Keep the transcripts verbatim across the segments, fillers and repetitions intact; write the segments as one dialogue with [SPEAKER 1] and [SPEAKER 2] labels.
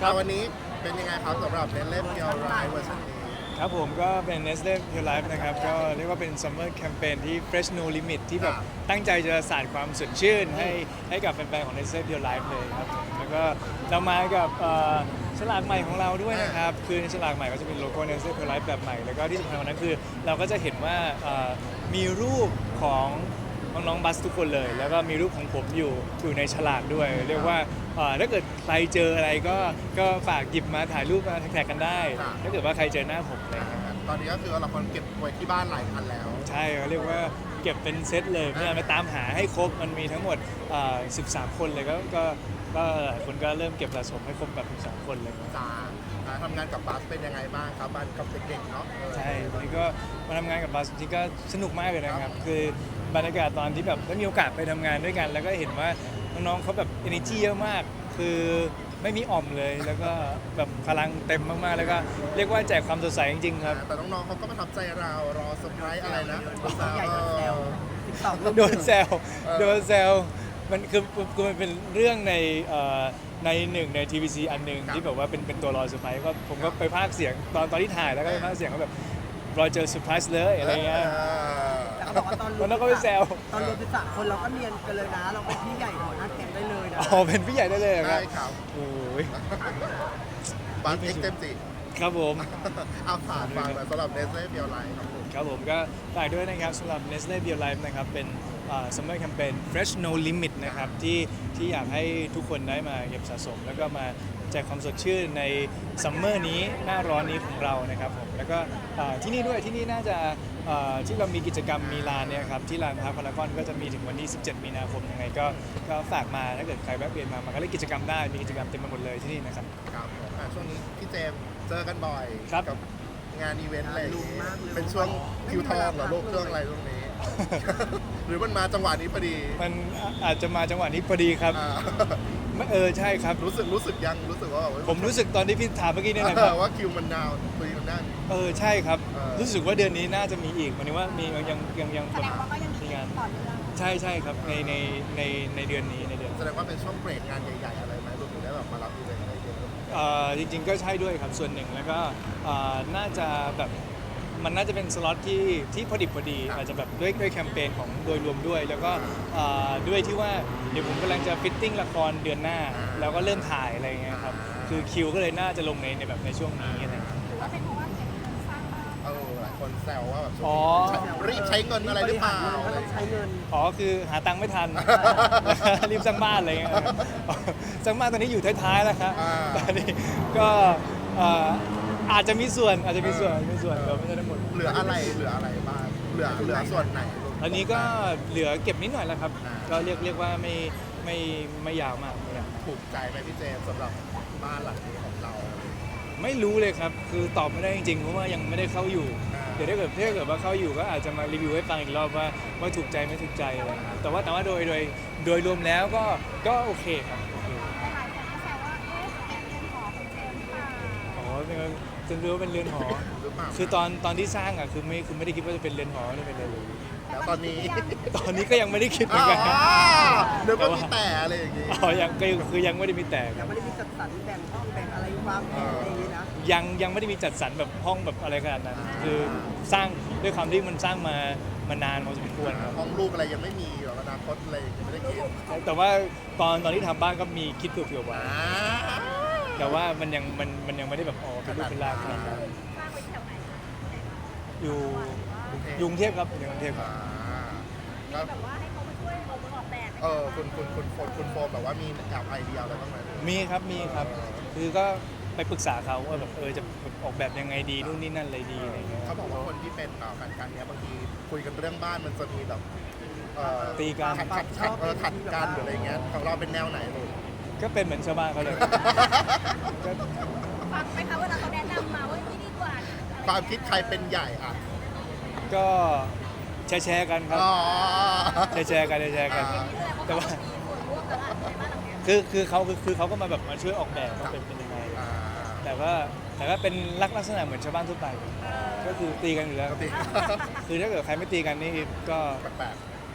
[SPEAKER 1] ครับวันนี้เป็นยังไงครับสำหรับเล่นเล่นเกียวไรเวอร์ชันนี้
[SPEAKER 2] ครับผมก็เป็น Nestle Pure Life นะครับก็เรียกว่าเป็น Summer Campaign ที่ Fresh No Limit ที่แบบตั้งใจจะสานความสดชื่นให้ให้กับแฟนๆของ Nestle Pure Life เลยครับผมแล้วก็เรามากับเอ่อฉลากใหม่ของเราด้วยนะครับ คือในฉลากใหม่ก็จะเป็นโลโก้ Nestle Pure Life แบบใหม่ แล้วก็ที่สำคัญกว่านั้นคือเราก็จะเห็นว่าเอ่อมีรูปของน้องๆบัสทุกคนเลย แล้วก็มีรูปของผมอยู่อยู่ในฉลากด้วย เรียกว่าเอ่อถ้าเกิดใครเจออะไรก็ก็ฝากหยิบมาถ่ายรูปมาแท็กกันได้ ถ้าเกิดว่าใครเจอหน้าผมอะไรอย่างเงี้ย
[SPEAKER 1] ตอนนี้ก็คือเราคนเก็บไว้ที่บ้านหลายคันแล้ว
[SPEAKER 2] ใช่เขาเรียกว่าเก็บเป็นเซตเลยเพื่อไปตามหาให้ครบมันมีทั้งหมดเอ่อสิบสาม คนเลยก็ก็ก็หลายคนก็เริ่มเก็บสะสมให้ครบแบบสิบสาม คนเลย
[SPEAKER 1] จ้าทำงานกับบัสเป็นยังไงบ้างครับบ้านกับเด็กๆเนาะ
[SPEAKER 2] ใช่วันนี้ก็มาทำงานกับบัสจริงๆก็สนุกมากเลยนะครับคือบรรยากาศตอนที่แบบได้มีโอกาสไปทำงานด้วยกัน แล้วก็เห็นว่าน้องๆเขาแบบ energy เยอะมาก คือไม่มีอ่อมเลยแล้วก็แบบพลังเต็มมากๆแล้วก็เรียกว่าแจกความสดใสจริงๆครับ
[SPEAKER 1] แต่น้องๆเขาก็ประทับใจเรารอเซอร์ไพรส์อะไรนะ
[SPEAKER 3] ใหญ่โดนแซวติ๊กต็อก
[SPEAKER 2] โดนแซวโดนแซวมันคือคือมันเป็นเรื่องในเอ่อในหนึ่งใน ที วี ซี อันหนึ่งที่แบบว่าเป็นเป็นตัวรอเซอร์ไพรส์ก็ผมก็ไปพากย์เสียงตอนตอนที่ถ่ายแล้วก็ไปพากย์เสียงก็แบบรอเจอเซอร์ไพรส์เลยอะไรเงี้ย
[SPEAKER 3] แต่เขาบอกว่าตอน
[SPEAKER 2] ตอนนั้นก็ไปแซว
[SPEAKER 3] ตอนรวมเป็นสามคนเราก็เนียนกันเลยนะ เราเป็นพี่ใหญ่หัวหน้าแก๊งได้เลยนะ
[SPEAKER 2] อ๋อเป็นพี่ใหญ่ได้เลยครับ
[SPEAKER 1] ใช่ครับ
[SPEAKER 2] โอ้ย
[SPEAKER 1] บัสเอ็กเต็มสิ
[SPEAKER 2] ครับผม
[SPEAKER 1] เอาผ่านฟังสำหรับเนสเล่เบียวไลน์ครับผม
[SPEAKER 2] ครับผมก็ฝากด้วยนะครับสำหรับ Nestle Bio Life นะครับเป็นเอ่อ Summer Campaign Fresh No Limit นะครับที่ที่อยากให้ทุกคนได้มาเก็บสะสม แล้วก็มาแจกความสดชื่นในซัมเมอร์นี้หน้าร้อนนี้ของเรานะครับผมแล้วก็เอ่อที่นี่ด้วยที่นี่น่าจะเอ่อที่เรามีกิจกรรมมีลานเนี่ยครับที่ลานพาร์คพารากอนก็จะมีถึงวันที่สิบเจ็ดมีนาคมยังไงก็ก็ฝากมาถ้าเกิดใครแวะเวียนมามาก็เล่นกิจกรรมได้มีกิจกรรมเต็มไปหมดเลยที่นี่นะครับ
[SPEAKER 1] ครับผมอ่ะช่วงนี้พี่เจมส์เจอกันบ่อย
[SPEAKER 2] ครับ
[SPEAKER 1] กับงานอีเวนต์อะไรอย่าง
[SPEAKER 3] ลุง
[SPEAKER 1] งี้
[SPEAKER 3] มากเลย
[SPEAKER 1] เป็นช่วงคิวทองเหรอโลกเครื่องอะไรตรงนี้ หรือมันมาจังหวะนี้พอดี
[SPEAKER 2] มันอาจจะมาจังหวะนี้พอดีครับ
[SPEAKER 1] อ่า
[SPEAKER 2] ไม่เออใช่ครับ
[SPEAKER 1] รู้สึกรู้สึกยังรู้สึกว่าแบบ
[SPEAKER 2] ผมรู้สึกตอนที่พี่ถามเมื่อกี้เนี่ยแหละ
[SPEAKER 1] เอ
[SPEAKER 2] ครั
[SPEAKER 1] อบ ว่าคิวมันดาวพอดีมันได้
[SPEAKER 2] เออใช่ครับ
[SPEAKER 1] เออ
[SPEAKER 2] รู้สึกว่าเดือนนี้น่าจะมีอีกหมายถึงว่ามียังยังยัง
[SPEAKER 4] แสดงว่าก็ยังมี
[SPEAKER 2] งาน
[SPEAKER 4] ต่อเนื่อง
[SPEAKER 2] ใช่ใช่ครับในในในในเดือนนี้ในเดือน
[SPEAKER 1] แสดงว่าเป็นช่วงเบรกงานใหญ่ๆอะไรไหมรวมถึงได้แบบมารับอีเวนต์อะไรเยอะ
[SPEAKER 2] เอ่อจริงๆก็ใช่ด้วยครับส่วนหนึ่งแล้วก็เอ่อน่าจะแบบมันน่าจะเป็นสล็อตที่ที่พอดิบพอดี อาจจะแบบด้วยด้วยแคมเปญของโดยรวมด้วย แล้วก็เอ่อด้วยที่ว่าเดี๋ยวผมกำลังจะฟิตติ้งละครเดือนหน้า แล้วก็เริ่มถ่ายอะไรอย่างเงี้ยครับคือคิวก็เลยน่าจะลงในในแบบในช่วงนี้อะไรอย่างเงี้ย
[SPEAKER 4] หรือว่าเป็นเพราะว่าเก็บเงินสร้างบ้าน
[SPEAKER 1] เออหลายคนแซวว่าแบบช่วง
[SPEAKER 2] อ๋อ
[SPEAKER 1] นี้รีบใช้เงินอะไรหรือเปล่า
[SPEAKER 3] ก็
[SPEAKER 1] อะไร
[SPEAKER 3] ต้องใช้เงิน
[SPEAKER 2] อ๋อคือหาตังค์ไม่ทัน รีบสร้างบ้านอะไรเงี้ยสร้างบ้านตอนนี้อยู่ท้ายๆแล้วครับ
[SPEAKER 1] อ่า
[SPEAKER 2] ตอนนี้ก็เอ่ออาจจะมีส่วนอาจจะมีส่วนมีส่วนแต่ไม่ใช่ทั้งหมด
[SPEAKER 1] เหลืออะไรเหลืออะไรบ้างเหลือเหลือส่วนไหน
[SPEAKER 2] ตอนนี้ก็เหลือเก็บนิดหน่อยแล้วครับ
[SPEAKER 1] อ่า
[SPEAKER 2] ก็เรียกเรียกว่าไม่ไม่ไม่ยาวมากไม่ยาว
[SPEAKER 1] ถูกใจไหมพี่เจมส์สำหรับบ้านหลังนี้ของเรา
[SPEAKER 2] ไม่รู้เลยครับ คือตอบไม่ได้จริงๆเพราะว่ายังไม่ได้เข้าอยู่
[SPEAKER 1] อ่า
[SPEAKER 2] เดี๋ยวถ้าเกิดถ้าเกิดว่าเข้าอยู่ก็อาจจะมารีวิวให้ฟังอีกรอบว่าว่าถูกใจไม่ถูกใจอะไรอย่างเงี้ยแต่ว่าแต่ว่าโดยโดยโดยรวมแล้วก็ก็โอเคครับโอเค
[SPEAKER 4] แต่หลายคนก็แซวว่า เอ๊ะเป็นเรือนหอของเจมส์หรือเปล่า
[SPEAKER 2] อ๋อเป็นจะรู้ว่าเป็นเรือนหอ
[SPEAKER 1] หรือเปล่า
[SPEAKER 2] คือตอนตอนที่สร้างอ่ะคือไม่คือไม่ได้คิดว่าจะเป็นเรือนหอไม่ได้เป็นอะไรเลย
[SPEAKER 1] แล้วตอนนี้
[SPEAKER 2] ตอนนี้ก็ยังไม่ได้คิดเหมื
[SPEAKER 1] อ๋
[SPEAKER 2] อน
[SPEAKER 1] อ
[SPEAKER 2] กันครับ
[SPEAKER 1] นึกว่ามีแต่อะไรอย่างงี้
[SPEAKER 2] อ๋อยังก็คือยังไม่ได้มีแต่ค
[SPEAKER 3] ยั
[SPEAKER 2] รั
[SPEAKER 3] ง
[SPEAKER 2] บ
[SPEAKER 3] ไม่ได้มีจัดสรรแบ่งห้องแบ่งอะไรวางแผนอะไรอย่างนี้นะ
[SPEAKER 2] ยังยังไม่ได้มีจัดสรรแบบห้องแบบอะไรขนาดนั้น คือสร้างด้วยความที่มันสร้างมามานานพอสมควรครับ
[SPEAKER 1] ห้องลูกอะไรยังไม่มีหรอกอนาคตอะไรยังไม่ได้คิด
[SPEAKER 2] แต่ว่าตอนตอนที่ทำบ้านก็มีคิดเผื่อๆไว้
[SPEAKER 1] อ่า
[SPEAKER 2] แต่ว่ามันยังมันมันยังไม่ได้แบบอ๋อเป็นรูปเป็นร่างขนาดนั้น
[SPEAKER 4] สร้างไว้แถวไหนคะ
[SPEAKER 2] อยู่อยกรุงเทพครับอยู่กรุงเทพค
[SPEAKER 1] อ่า
[SPEAKER 2] รับ
[SPEAKER 1] แล้ว
[SPEAKER 4] แบบว่าให้เขามาช่วยออกออกแบบไหม
[SPEAKER 1] เออคุณคุณคุณโฟนคุณโฟมแบบว่ามีแอบไอเดียอะไรบ้างไหม
[SPEAKER 2] มีครับมีครับ คือก็ไปปรึกษาเขาว่าแบบเออจะออกแบบยังไงดีนู่นนี่นั่นอะไรดีอะไรเงี้ย
[SPEAKER 1] เขาบอกว่าคนที่เป็นเอ่อการการเนี้ยบางทีคุยกันเรื่องบ้านมันจะมีแบบเอ่อ
[SPEAKER 2] ตีกัน
[SPEAKER 1] ขัดขัดขัดเออขัดกันหรืออะไรเงี้ยของเราเป็นแนวไหนลูก
[SPEAKER 2] ก็เป็นเหมือนชาวบ้านเขาเลยก็
[SPEAKER 4] ฟังไหมคะเวลาเขาแนะนำมาว่าที่นี่ดีกว่าอะไรอย่างเงี้ย
[SPEAKER 1] ความคิดใครเป็นใหญ่อ่ะ
[SPEAKER 2] ก็แชร์แชร์กันครับ
[SPEAKER 1] อ๋อ
[SPEAKER 2] แชร์แชร์กันแชร์กัน
[SPEAKER 1] อ่า
[SPEAKER 2] แต่ว่า
[SPEAKER 4] มีส่วนร่วมแล้วล่ะในบ้านหลังเนี้ย
[SPEAKER 2] คือคือเขาคือคือเขาก็มาแบบมาช่วยออกแบบว่าเป็นเป็นยังไง
[SPEAKER 1] อ่า
[SPEAKER 2] แต่ว่าแต่ก็เป็นลักลักษณะเหมือนชาวบ้านทั่วไป ก็คือตีกันอยู่แล้ว
[SPEAKER 1] ปกติ
[SPEAKER 2] คือถ้าเกิดใครไม่ตีกันนี่ก็
[SPEAKER 1] แปลก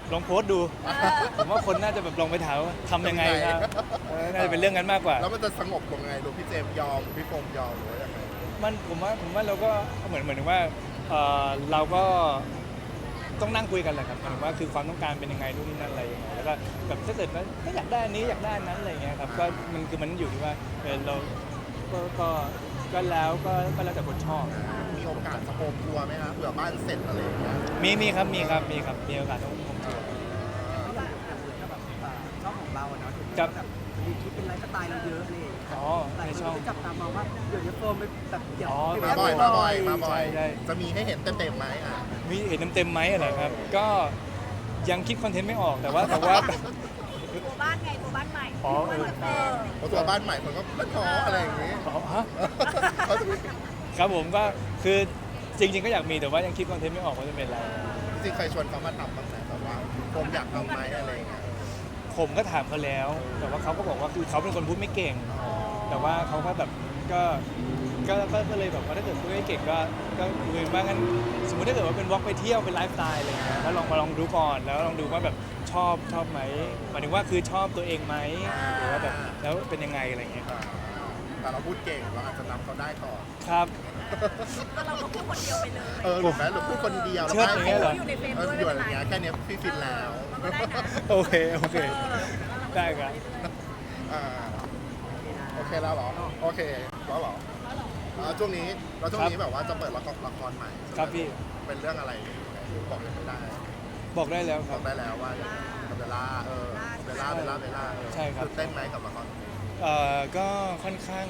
[SPEAKER 2] ลองโพสต์ดู ผมว่าคนน่าจะแบบลองไปถามว่าทำยังไงครับเออน่าจะเป็นเรื่องนั้นมากกว่า
[SPEAKER 1] แล้วมันจะสงบลงไงดูพี่เจมส์ยอมพี่โฟมยอมหรือว่ายังไง
[SPEAKER 2] มันผมว่าผมว่าเราก็เหมือนเหมือนว่าเอ่อเราก็ต้องนั่งคุยกันแหละครับหมายถึงว่าคือความต้องการเป็นยังไงนู่นนี่นั่นอะไรยังไงแล้วก็แบบถ้าเกิดว่าไม่อยากได้อันนี้อยากได้อันนั้นอะไรอย่างเงี้ยครับก็มันคือมันอยู่ที่ว่าเออเราก็ก็ก็แล้วก็ก็แล้วแต่คนชอบ
[SPEAKER 1] มีโอกาสจะโฮมทัวร์ไหมครับเผื่อบ้านเสร็จอะไรอย่างเงี้ย
[SPEAKER 2] มีมีครับมีครับมีครับมีโอกาสต้องผมทัวร์
[SPEAKER 3] อย่างอย่างเหมือนกับแบบอ่าช่องของเราอะเนาะถึง
[SPEAKER 2] ครับ
[SPEAKER 3] แบบมีคลิปเป็นไลฟ์สไตล์เราเยอะเลย
[SPEAKER 2] อ๋อ
[SPEAKER 3] หลาย
[SPEAKER 2] ใน
[SPEAKER 3] คน
[SPEAKER 2] ช่อง
[SPEAKER 3] ก็จับตามองว่าเดี๋ยวนี้โฟมไปแบบเดี๋ยว
[SPEAKER 2] อ๋อ
[SPEAKER 3] ไป
[SPEAKER 1] มา
[SPEAKER 3] แ
[SPEAKER 1] บ่อยมาบ่อยมาบ่อย
[SPEAKER 2] ใช่
[SPEAKER 1] จะมีให้เห็นเต็มๆไหมอ่ะ
[SPEAKER 2] มีเห็นเต็มๆไหมอะไรครับ ก็ยังคิดคอนเทนต์ไม่ออกแต่ว่าแต่ว่า
[SPEAKER 4] ตัวบ้านไงตัวบ้านใหม่
[SPEAKER 2] อ๋อเออ
[SPEAKER 4] เออ
[SPEAKER 1] เพราะตัวบ้านใหม่คนก็ไม่ท้ออะไรอย่างงี้
[SPEAKER 2] อ๋อฮะ
[SPEAKER 1] เขาจะมี
[SPEAKER 2] ครับผมก็คือจริง ๆ ก็อยากมีแต่ว่ายังคิดคอนเทนต์ไม่ออกว่าจะเป็นอะไร
[SPEAKER 1] จริงๆเคยชวนเขามาทำบ้างไหมแบบว่าผมอยากทำไหมอะไรอย่างเงี้ย
[SPEAKER 2] ผมก็ถามเขาแล้ว แต่ว่าเขาก็บอกว่าคือเขาเป็นคนพูดไม่เก่ง แต่ว่าเขาก็แบบก็ก็ก็ก็เลยแบบว่าถ้าเกิดพูดไม่เก่งก็ก็คุยว่างั้นสมมติถ้าเกิดว่าเป็นวอล์กไปเที่ยวเป็นไลฟ์สไตล์อะไรอย่างเงี้ยแล้วลองมาลองดูก่อนแล้วลองดูว่าแบบชอบชอบไหมหมายถึงว่าคือชอบตัวเองไหมหรือว่าแบบแล้วเป็นยังไงอะไรอย่างเงี้ยครับ
[SPEAKER 1] แต่เราพูดเก่งเราอาจจะนำเขาได้ก่อน
[SPEAKER 2] ครับ
[SPEAKER 4] ก็เราก็พูดคนเดียวไปเลย
[SPEAKER 1] เออหรือแม้หรือพูดคนเดียว
[SPEAKER 2] เชิดอย่างเงี้ยเหรอ
[SPEAKER 4] อยู่ในเฟรม
[SPEAKER 1] เออ
[SPEAKER 4] ด้วย
[SPEAKER 1] อยู่
[SPEAKER 4] ไม่
[SPEAKER 1] อ
[SPEAKER 4] เป็นไร
[SPEAKER 1] ย่างเงี้ยแค่เนี้ยพี่ฟินแล้ว
[SPEAKER 4] เราก็ได้นะ
[SPEAKER 2] โอเคโอเคได้ครับ
[SPEAKER 1] อ่าโอเคแล้วเหรอโอเคแล้วเหรออ่าช่วงนี้เราช่วงนี้แบบว่าจะเปิดละครละครใหม่ใช่ไหม
[SPEAKER 2] ครับพี่
[SPEAKER 1] เป็นเรื่องอะไรบอกยังไม่ได้
[SPEAKER 2] บอกได้แล้วค
[SPEAKER 1] บ
[SPEAKER 2] รั
[SPEAKER 1] อบ กได้แล้วว่ากับเบลล่าเออเบลล่าเบลล่าเบลล่าเออ
[SPEAKER 2] ใช่ครับ
[SPEAKER 1] ตื่นเต้นไหมกับละคร
[SPEAKER 2] เอ่อก็ค่อนข้าง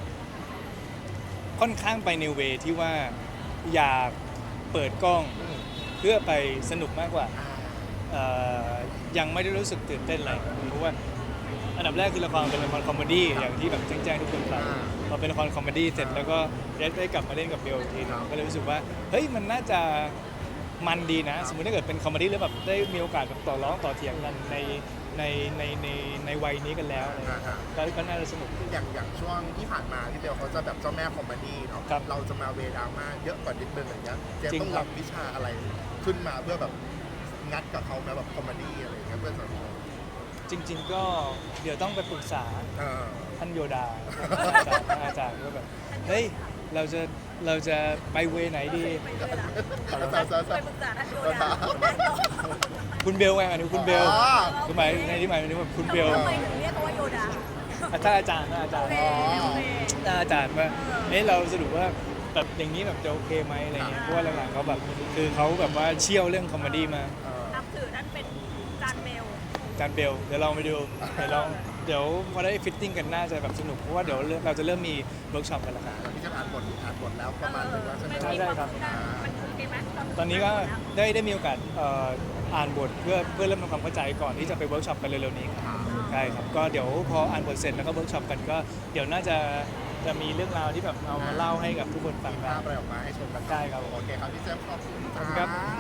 [SPEAKER 2] ค่อนข้างไปในเวที่ว่าอยากเปิดกล้อง
[SPEAKER 1] อืม
[SPEAKER 2] เพื่อไปสนุกมากกว่า
[SPEAKER 1] อ่า
[SPEAKER 2] เอ่อยังไม่ได้รู้สึกตื่นเต้นอะไรเพราะว่าอันดับแรกคือละครเป็นละครคอมเมดี้อย่างที่แบบแจ้งๆทุกคนฟังพอเป็นละครคอมเมดี้เสร็จแล้วก็ได้ได้กลับมาเล่นกับเบลอีกทีหนึงก็เลยรู้สึกว่าเฮ้ยมันน่าจะมันดีนะ สมมติถ้าเกิดเป็นคอมเมดี้แล้วแบบได้มีโอกาสแบบต่อร้องต่อเถียงกันในในในในในวัยนี้กันแล้วอะไรอย่างเงี้ยก็ก็น่าจะสนุกดี
[SPEAKER 1] อย่างอย่างช่วงที่ผ่านมาที่เบลเขาจะแบบเจ้าแม่คอมเมดี้เนาะ
[SPEAKER 2] ครับ
[SPEAKER 1] เราจะมาเวดราม่าเยอะกว่านิดนึงอย่างเงี้ยเจม
[SPEAKER 2] จริง
[SPEAKER 1] ต้อง
[SPEAKER 2] ครับ
[SPEAKER 1] รับวิชาอะไรขึ้นมาเพื่อแบบงัดกับเขาไหมแบบคอมเมดี้อะไรอย่างเงี้ยเพื่อจะ
[SPEAKER 2] จริง ๆ ก็เดี๋ยวต้องไปปรึกษา
[SPEAKER 1] เออ
[SPEAKER 2] ท่านโยดาอาจารย์อาจารย์ก็แบบเฮ้ยเราจะเราจะไปเวไหนดี
[SPEAKER 4] ไปเลยล่ะ
[SPEAKER 1] เอาซะซะ
[SPEAKER 4] ไป
[SPEAKER 1] ซะ
[SPEAKER 4] ปรึกษาท่านโยดาได้ต่อ
[SPEAKER 2] คุณเบลไงอันนี้คุณเบล
[SPEAKER 1] อ๋อ
[SPEAKER 2] คือหมายในที่หมายถึงแบบคุณเบล
[SPEAKER 4] ทำไมถึงเรียกเขาว่าโยดา
[SPEAKER 2] อ่ะถ้าอาจารย์นะอาจารย์
[SPEAKER 4] โอเคโอเค
[SPEAKER 2] ถ้าอาจารย์ว่าเอ๊ะเราสรุปว่าแบบอย่างนี้แบบจะโอเคไหมอะไรเงี้ยเพราะว่าหลังๆเขาแบบคือเขาแบบว่าเชี่ยวเรื่องคอมเมดี้มา
[SPEAKER 1] เออ
[SPEAKER 4] นับถือท่านเป็นจานเบล
[SPEAKER 2] อาจารย์เบลเดี๋ยวลองไปดูเดี๋ยวลองเดี๋ยวพอได้ฟิตติ้งกันน่าจะแบบสนุกเพราะว่าเดี๋ยวเราจะเริ่มมีเวิร์กช็อปกันแล้วครับ
[SPEAKER 1] แล้วพี่จะอ่านบทอ่านบทแล้วประมาณหนึงแล้วใช่ไหม
[SPEAKER 2] ใช่ใช่ครับ
[SPEAKER 4] มันโอเคไหม
[SPEAKER 2] ตอนนี้ก็ได้ได้มีโอกาสเอ่ออ่านบทเพื่อเพื่อเริ่มทำความเข้าใจก่อนที่จะไปเวิร์กช็อปกันเร็วๆนี้ครับใช่ครับก็เดี๋ยวพออ่านบทเสร็จแล้วก็เวิร์กช็อปกันก็เดี๋ยวน่าจะจะมีเรื่องราวที่แบบเอามาเล่าให้กับทุกคนฟัง
[SPEAKER 1] มี
[SPEAKER 2] กั
[SPEAKER 1] ภาน พอะไรออกมาให้ชมกัน
[SPEAKER 2] ได้ครับ
[SPEAKER 1] โอเคครับพี่เจมส์ขอบคุณ
[SPEAKER 2] ขอบคุณครับ
[SPEAKER 1] จ้า